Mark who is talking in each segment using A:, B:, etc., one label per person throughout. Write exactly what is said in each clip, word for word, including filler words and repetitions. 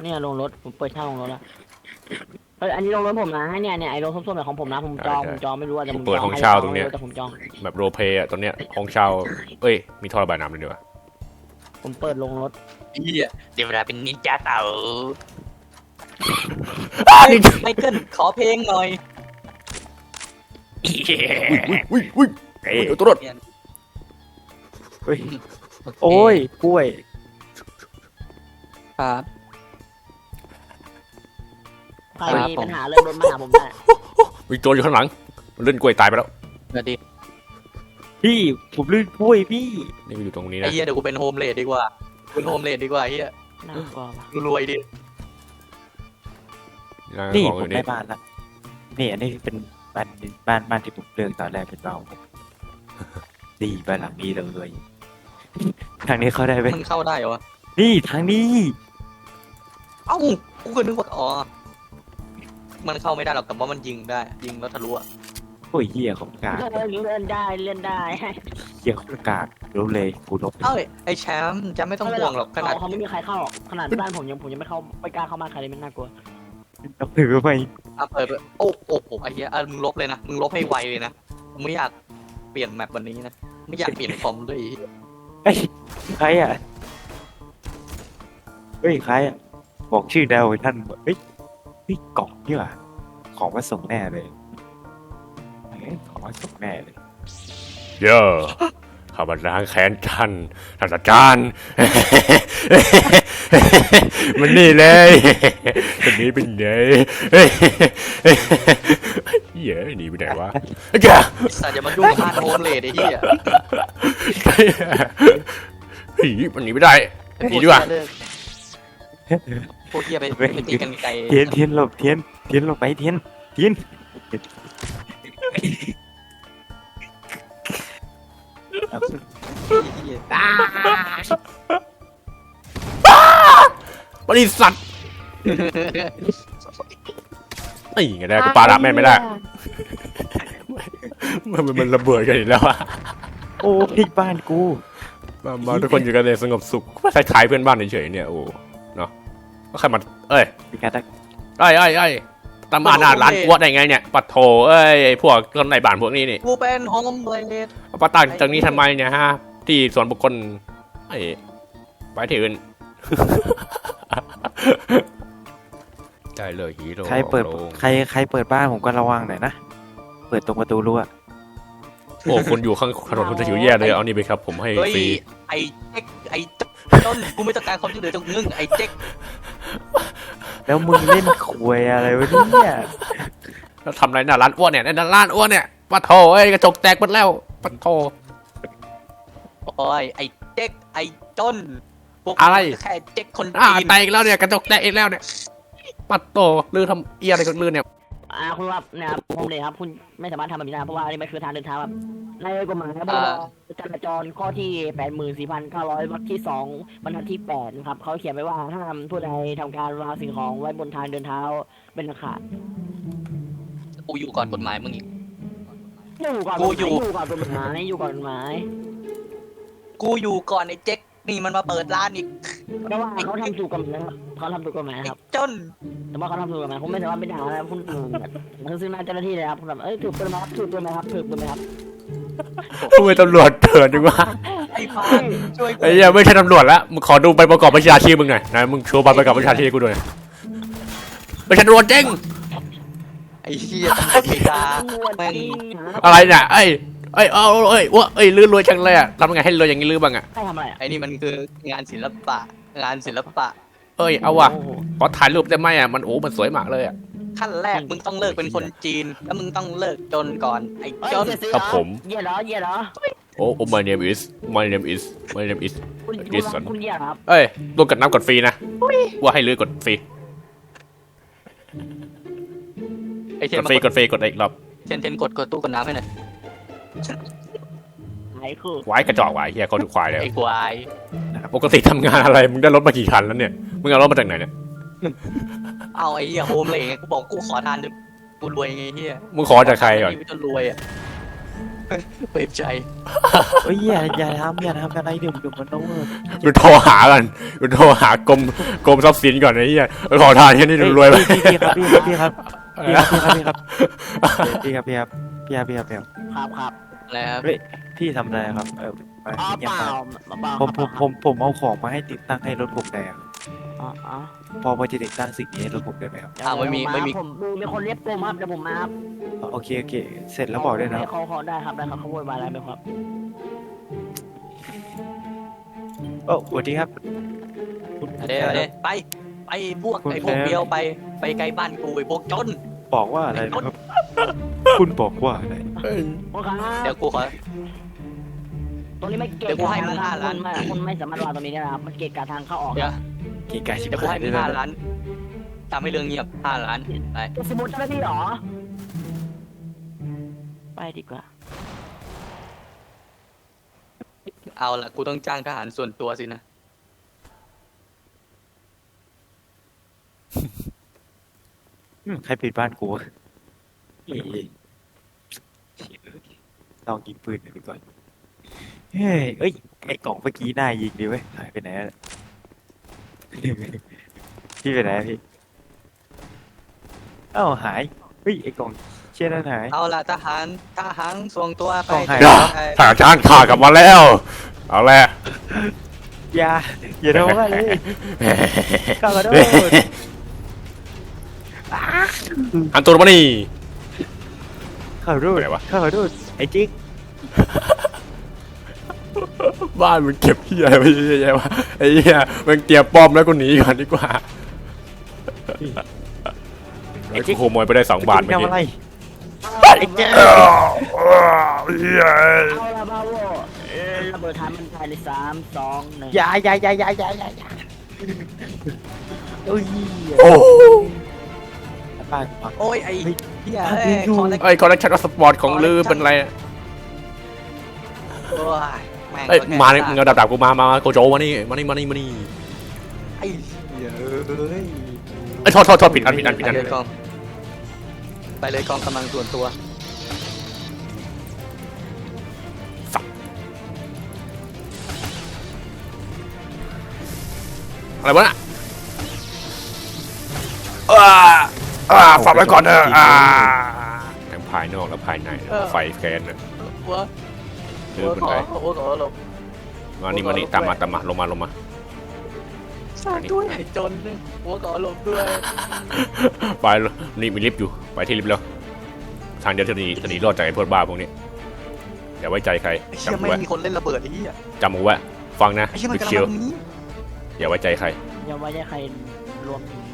A: เนี่ยลงรถผมเปิดเช่าลงรถแล้วเฮ้ยอันนี้ลงรถผมนะเนี่ยเนี่ยไอ้รถส้มๆแบบของผมนะผมจองผมจองไม่รู้ว่าแต่ผม
B: เปิดห้องเช่าตรงเนี้ย
A: แต่ผมจอง
B: แบบโรเพย์อะตอนเนี้ยห้องเช่าเอ้ยมีท่อระบายน้ำเลยดีกว่า
A: ผมเปิดลงรถ
C: เฮียเดี๋ยวเวลาเป็นนินจาเต่า
B: นี่
C: ไมเคิลขอเพลงหน่อย
B: อุ้ยอุ้ยเอ้ยตัวรถ
D: เฮ้ยโอ้ยกล้วย
C: ครับ
A: ใครมีปัญหาเรื่องรถมาหาผมได้
B: มีโจรอยู่ข้างหลังมันเล่นกล้วยตายไปแล้ว
C: สวัสดี
D: พี่ผมลื่นกล้วยพี่
B: นี่ก็อยู่ตรงนี้
C: ไอ้
B: นะ
C: เฮียเดี๋ยวกูเป็นโฮมเลดดีกว่าเป็นโฮมเลดดีกว่าเฮีย
A: น่ากลัวว่ะ
C: กูรวยดิ
B: นี่
D: นี่
B: ของ
D: ผ
B: อ
D: ม
B: ยู่
D: ได้
B: นี่
D: บ้านละนี่อันนี้เป็นบ้านบ้านบ้านที่ผมเลือกตอนแรกเป็นบ้านผมดีบ้านหลังนี้เลยทางนี้เข้าได้ไหม
C: มันเข้าได้เหรอวะ
D: นี่ทางนี้
C: เอ้ากูก็นึกว่าอ๋อมันเข้าไม่ได้หรอกแต่ว่ามันยิงได้ยิงแล้วทะลุอะ
D: โอ้ยเหี้ยของกาก
A: เลื่อนเลื่อนได้เลื่อนได้
D: เหี้ยของกากรู้เลยกูลบ
C: เอ้ยไอ้แชมป์จะไม่ต้องห่วงหรอกขนาด
A: เขาไม่มีใครเข้าหรอกขนาดบ้านผมยังผมยังไม่เข้าไม่กล้าเข้าบ้านใครเลยมันน่ากลัว
D: ต้องถือไป
C: อ่ะเปิดไปโอ้โอ้โหไอ้เหี้ยอ่ะมึงลบเลยนะมึงลบให้ไวเลยนะมึงไม่อยากเปลี่ยนแมปวันนี้นะไม่อยากเปลี่ยนคอมด้วยไอ้เหี้ย
D: เอ้ยใครอ่ะเฮ้ยใครอ่ะบอกชื่อดาวให้ท่านเฮ้ยเฮ้ยกล่องนี่หว่าของมาส่งแน่เลยเฮ้ยของมาส่งแน่เลย
B: เยอะข้าบันล้างแค้นท่านท่านอาจารย์ มันนี่เลยคนนี้เป็นไงเย้หนีไปไหนวะแก
C: สัตว์อย่ามายุ่งกับบ้านโฮมเลดไอ้เหี้ย
B: ผีมันหนีไม่ได้หนีดีกว่า
C: พวกเหี้ยไปไปตีกันไกล
D: เทียนเทียนหลบเทียนเทียนหลบไปเทียนเทียน
C: เหี้ย
B: บริษัทไอ้ไงได้กูปาระแม่นไม่ได้มันมันระเบิดกันอีกแล้วอะ
D: โอ้พี่บ้านกู
B: มามาทุกคนอยู่กันในสงบสุขคล้ายๆเพื่อนบ้านเฉยๆเนี่ยโอ้เนาะก็ใครมาเอ้ย
D: พี่กาตัก
B: ไอ้ไอ้ไอ้ตามมาหน้าร้านกวดได้ไงเนี่ยปัดโถเอ้ยไอ้พวกคนในบ้านพวกนี้นี่
C: กูเป็นโฮมเลด
B: เอาปาตั้งตรงนี้ทำไมเนี่ยฮะที่ส่วนบุคคลไอ้ไปที่อื่น ได้เลยฮีโร่
D: ใครเปิด
B: โล่ง
D: ใครใครเปิดบ้านผมก็ระวังหน่อยนะเปิดตรงประตูรั้ว
B: โอ้คนอยู่ข้างถนนคุณจะหิวแย่เลยเอานี่ไปครับผมให้
C: เฮ้ย
B: ฟรี
C: ไอ้เจ๊กไอ้ต้นกูไม่ต้องการความช่วยเหลือจากมึงไอ้เจ๊ก
D: แล้วมึงเล่นควยอะไรวะเนี่ย
B: แล้วทำอะไรหน้าร้านอ้วนเนี่ยหน้าร้านอ้วนเนี่ยปัดโถเอ้ยกระจกแตกหมดแล้วปัดโถ
C: โอ้ยไอ้เจ๊กไอ้ต้นพวก
B: อะไร
C: แค่เจ๊กคน
B: อ่า
C: จีน
B: แตกอีกแล้วเนี่ยกระจกแตกอีกแล้วเนี่ยปัดโถลือทำเอียอะไรกันลือเนี่ย
A: อ่าคุณว่าเนี่ยครับผมเลยครับคุณไม่สามารถทำแบบนี้ได้เพราะว่านี่มันคือทางเดินเท้าแบบในกฎหมายพรบจราจรข้อที่แปดหมื่นสี่พันเก้าร้อยวรรคที่สองบรรทัดที่แปดนะครับเขาเขียนไว้ว่าห้ามผู้ใดทำการวางสิ่งของไว้บนทางเดินเท้าเป็นอันขาด
C: กูอยู่ก่อนกฎหมายมึงอีก
A: อยู่ก่อน
C: กูอยู่
A: อยู่ก่อนกฎหมายอยู่ก่อนกฎหมาย
C: กูอยู่ก่อนไอ้เจ๊กนี่มันมาเปิดร้านอีก
A: เพราะว่าเขาทำถูกกฎหมายครับเขาทำถูกกฎหมาย
C: ไอ้
A: ครับ
C: ต้น
A: แต่ว่าเขาทำถูกกฎหมายผมไม่สามารถไปด่านะคุณคุณซึ่งหน้าเจ้าหน้าที่เลยครับคุณแบบเอ้ยถูกกฎหมายครับถูกกฎหมายครับถูกกฎหมายครับ
B: ทำไมตำรวจเถื่อนจังวะ
C: ไอ้พานช่วยกู
B: ไอ้เหี้ยไม่ใช่ตำรวจละมึงขอดูใบประกอบวิชาชีพมึงหน่อยนะมึงโชว์ใบประกอบวิชาชีพกูด้วยไม่ใช่ตำรวจจริง
C: ไอ้เหี้ยตำรวจไม่ด่าแม่ง
B: อะไรเนี่ยเอ้ยเอ้ยเอาเอ้ยว่าเอ้ยลือรวยจังเลยอะทำยังไงให้รวยอย่างนี้ลือบ้างอะ
A: ใครทำอะไรอ่ะ
C: ไอ้นี่มันคืองานศิลปะงานศิลปะ
B: เอ้ยเอาว่ะ
A: โอ้โห
B: ขอถ่ายรูปได้ไหมอะมันโอ้มันสวยมากเลยอะ
C: ขั้นแรกมึงต้องเลิกเป็นคนจีน แล้วมึงต้องเลิกจนก่อนไอ้
A: เอ้ย
C: จน
A: เสียสี
B: ครับผม
A: เหยียดเหรอเหยียดเหรอ
B: โอ้ oh my name is my name is my name is
A: คุณคุณ
B: Jason
A: คุณเหยียดเหรอครับ
B: เอ้ยตัวกดน้ำกดฟรีนะว่าให้ลือกดฟรี
C: ไอ้เท
B: ก
C: น
B: ดฟรีกดฟรีกดอีกรอบ
C: เทนเทนกดกดตู้กดน้ำให้หน่อย
A: ไหนคือ
B: ไว้กระจอกไว้เฮียเขาดูควายเลย
C: ไอ้ควาย
B: ปกติทำงานอะไรมึงได้รถมากี่คันแล้วเนี่ยมึงเอารถมาจากไหนเนี่ย
C: เอาไอ้เหี้ยโฮมเลยไงกูบอกกูขอทานด้วยกูรวยไงเหี้ย
B: มึงขอจากใครก่อน
C: กูจะรวยอ่ะเปิดใจ
D: เฮ้ยอย่าอย่าทำอย่าทำอะไรเดี๋ยวเดี๋ยวมันต้อง
B: กูโทรหากันกูโทรหากรมกรมทรัพย์สินก่อนไอ้เหี้ยขอทานแค่นี้รวยไป
D: พี่พี่ครับพี่ครับพี่ครับพี่ครับพี่ครับพี่ครับพี่ครับพี่ครับพี่ครับพี่ครับ
A: ครับครับ
C: แล้ว
D: เฮ้ยพี่ทำอะไรครับเออมา
A: อ๋อ
D: เงีย
A: เป
D: บ
A: ล่า
D: มา
A: เปล่า
D: ผมผมผมผมเอาของมาให้ติดตั้งให้รถผมได้ครับ
A: อ๋ออ๋อ
D: พอพอจะติดตั้งสิ่งนี้ให้รถผมได้ไหมครับ
C: อ้าวไม่มีไม่มี
A: ผมมีคนเรียกผมครับเดี๋ยวผมมาครับ
D: โอเคโอเคเสร็จแล้วบอกด้วยนะ
A: เขาเขาได้ครับได้ครับเขาโวยวายอะไรไหมครับ
D: โอ้สวัสดีครับคุณ
C: เดี๋ยวเดี๋ยวไปไปพวกไอ้พวกเดียวไปไปไกลบ้านกูไอ้พวกจน
D: บอกว่าอะไรนะครับ คุณบอกว่าอะไร
A: โอเคครับ
C: เดี๋ยวกูขอ
A: ตรงนี้ไม่เกะ
C: เดี๋ยวกูให้มึง
A: ะครับ
C: ห้าล้าน
A: คุณไม่คุณไม่สามารถวางตรงนี้ได้นะครับมันเกะกะทางเข้าออก
C: เดี๋ยว
D: กี่ไก่ชิบ
C: เดี๋ยวกู
D: หาย
C: ให้มึ
D: ได้
C: ง
D: แล้ว
C: ห้าล้านทำให้เรื่องเงียบห้าล้านไป
A: จะสมุดเจ้าหน้าที่เหรอไปดีกว่า
C: เอาละกูต้องจ้างทหารส่วนตัวสินะ
D: อืมใครปิดบ้านกูวะเฮ้ยลองยิงปืนหน่อยดีกว่าเฮ้ยเอ้ยไอ้กล่องเมื่อกี้น่ายิงดีเว้ยหายไปไหนแล้ว พี่ไปไหนอะพี่เอ้าหายเฮ้ยไอ้กล่องเชี่ยนั่นหาย
C: เอาละทหารทหารส่งตัวไป
D: ต้องให้
C: ไป
B: ทหารชาติข่ากลับมาแล้ว เอาแหละ
D: อย่าอย่าทำอะไรเลยข้าขอโทษ
B: อันตัวมานี่
D: ข้าขอโทษ
B: ไปไหนวะ
D: ข้าขอโทษไอ้จิ๊ก
B: บ้านมึงเก็บเหี้ยอะไรไว้เยอะแยะวะไอ้เหี้ยมึงเตรียมป้อมแล้วกูหนีก่อนดีกว่าไอ้กูขโมยไปได้สองบาทเมื่อ
D: ทำ
B: กี้
D: อะไร
A: ไอ้เจ้า
B: เอ้าเหี้ย
A: เอาละบาโวเอ่อระเบิดฐานมันภายในสามสองหนึ่ง
D: อย่าอย่าอย่าอย่าอย่าอย่าอย่าโอ้ย
B: โอ้
D: บ้านพัง
C: โอ้ยไอ้
D: เฮ้ย
C: เหี้ย
D: อ่ะ
C: เอ้ย
D: อยู่
C: คอลเลก
B: ไอ้คอลเลคชันสปอร์ตของลือเป็นไรอะ
C: โอ้ยแม่ง
B: เอ้ย
C: ก็แค่
B: มาเนี่ยมึงเอาดับดับกูมามามาโกโจมานี่มานี่มานี่มานี่
C: ไอ้เหี้ยเอ้ย
B: ไอ้ยโทษโทษโทษผิดอันผิดอันผิด
C: ไป
B: อัน
C: เลยกองไปเลยกองกำลังส่วนตัว
B: อะไรวะน่ะอ่าอ่าฝากไว้ก่อนเถอะอ่าทั้งภายนอกและภายในไฟแคนน่ะ
C: หัว
B: ลื
C: หั
B: อ
C: ว
B: เป็น
C: ขอ
B: ไร
C: หัวขอหลบ
B: มานี่มานี่ตามมาตามมาลงมาลงมา
C: สร้างด้วยไอ้จนนึงหัวขอหลบด้วย
B: ไปนี่มีลิฟต์อยู่ไปที่ลิฟต์แล้วทางเดียวจะหนีจะหนีรอดจากไอ้พวกบ้าพวกนี้อย่าไว้ใจใคร
C: ไอ้เชี่ย
B: จำ
C: ไม่
B: ไว้
C: มีคนเล่นระเบิดไอ้เหี้ย
B: จำไว้ฟังนะ
C: ไอ้เชี่ยมัน
B: บิ๊ก
C: กำลัง
B: เชียว
C: มาตรงนี้
B: อย่าไว้ใจใคร
A: อย่าไว้ใจใครรวมถึง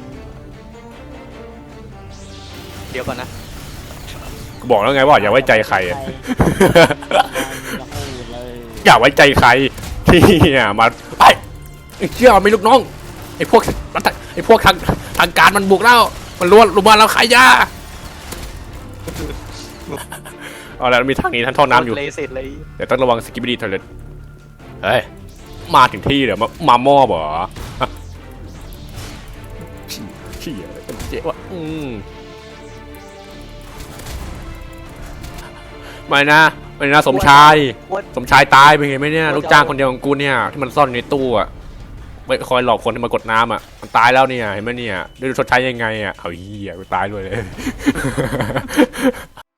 C: เดี๋ยวก่อนนะ
B: กูบอกแล้วไงว่าอย่าไว้ใจใครอะ
A: อย่าพูดเลย
B: อย่าไว้ใจใครที่มาไอ้ไอ้เชี่ยมีลูกน้องไอ้พวกไอ้พวกทางทางการมันบุกแล้วมันล้วนรุมมาแล้วขายยาเอาแล้วมีทางนี้ท่านท่อน้ำอยู่
C: เลยเสร็จเลย
B: เดี๋ยวต้องระวังสกิปปี้ดีทอเลตเฮ้ยมาถึงที่เดี๋ยวมามาหม้อบ่เหรอเชี่ยอะไรกันเจ๊วะอืมไม่นะไม่นะสมชาย สมชายตายไปไงไหมเนี่ยลูกจ้างคนเดียวของกูเนี่ยที่มันซ่อนอยู่ในตู้อะไม่คอยหลอกคนที่มากดน้ำอะมันตายแล้วเนี่ยเห็นไหมเนี่ยได้ดูชดใช้ยังไงอะเอาเหี้ยกูตายด้วยเลย